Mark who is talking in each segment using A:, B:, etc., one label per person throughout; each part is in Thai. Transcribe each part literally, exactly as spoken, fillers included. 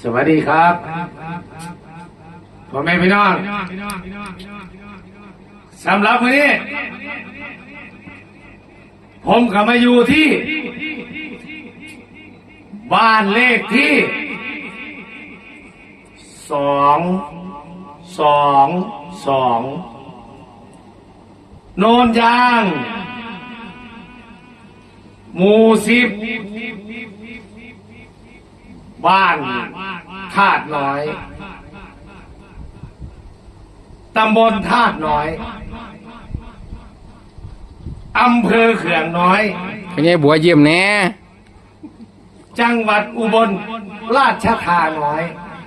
A: สวัสดีครับพ่อแม่พี่น้องสำหรับวันนี้ผมกลับมาอยู่ที่บ้านเลขที่สองสองสองโนนยางหมู่สิบบ้านธาตุน้อยตำบลธาตุน้อยอำเภอเขื่องน้อย
B: เป็นไงบัวเยี่ยมแน่
A: จังหวัดอุบลราชธาน้อย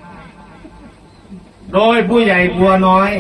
A: โดยผู้ใหญ่บัวน้อย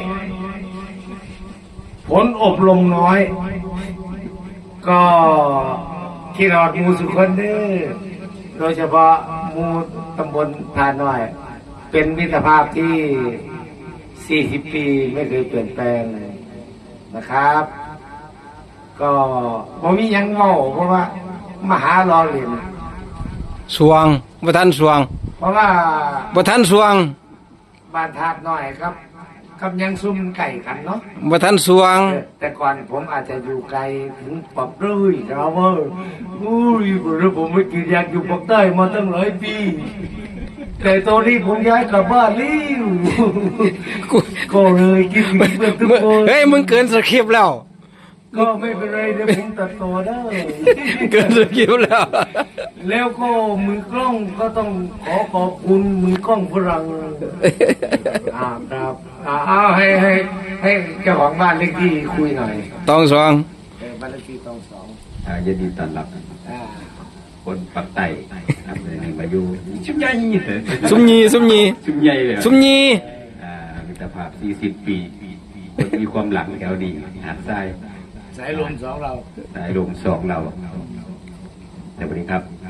A: ผลอบรมน้อย ก็ที่รอดมูสุคนเด้อโดยเฉพาะมูตำบลธาตุน้อยเป็นมิตรภาพที่สี่สิบปีไม่เคยเปลี่ยนแปลงเลยนะครับ ก็ผมมียังเมาเพราะว่ามหารอเรียน
B: สวงบ่ทันสวง
A: เพราะว่า
B: บ่ทันสวง
A: บ้านธาตุน้อยครับกับยังซุ่มไก่กันเนาะ
B: บ่ทันสวง
A: แต่ก่อนผมอาจจะอยู่ไกลถึงปักเลยครับว่าอุ้ยผมไม่กินอยากอยู่ปักใต้มาตั้งหลายปีแต่ตอนนี้ผมย้ายกลับบ้านแล้วก็เลยกินเพื่อนทุกคน
B: เฮ้ยมึงเกินสคริปต์แล้ว
A: ก็ไม่เป็นไรเดี๋ยวผมตัดต่อได้
B: เกินสคริปต์แล้ว
A: แล้วก็มือกล้องก็ต้องขอขอบคุณมือกล้องฝรั่งอ่าครับอ่าเอาให้ให้ให้เจ้าของบ้านเลขที่คุยหน่อย
B: ตองสอง
A: บ้านเลขที่ตองสอง
C: อ่ายินดีต้อนรับคนปักไต่ครับในมาอยู่ชุ่มใหญ่
B: ซุมยีซุมยี
C: ชุ่มใหญ่เลย
B: ซุมยี
C: อ่ามิตรภาพสี่สิบปีคนมีความหลังแถวดีหาดทราย
A: สายลมสองเรา
C: สายลมสองเราสวัสดีครับ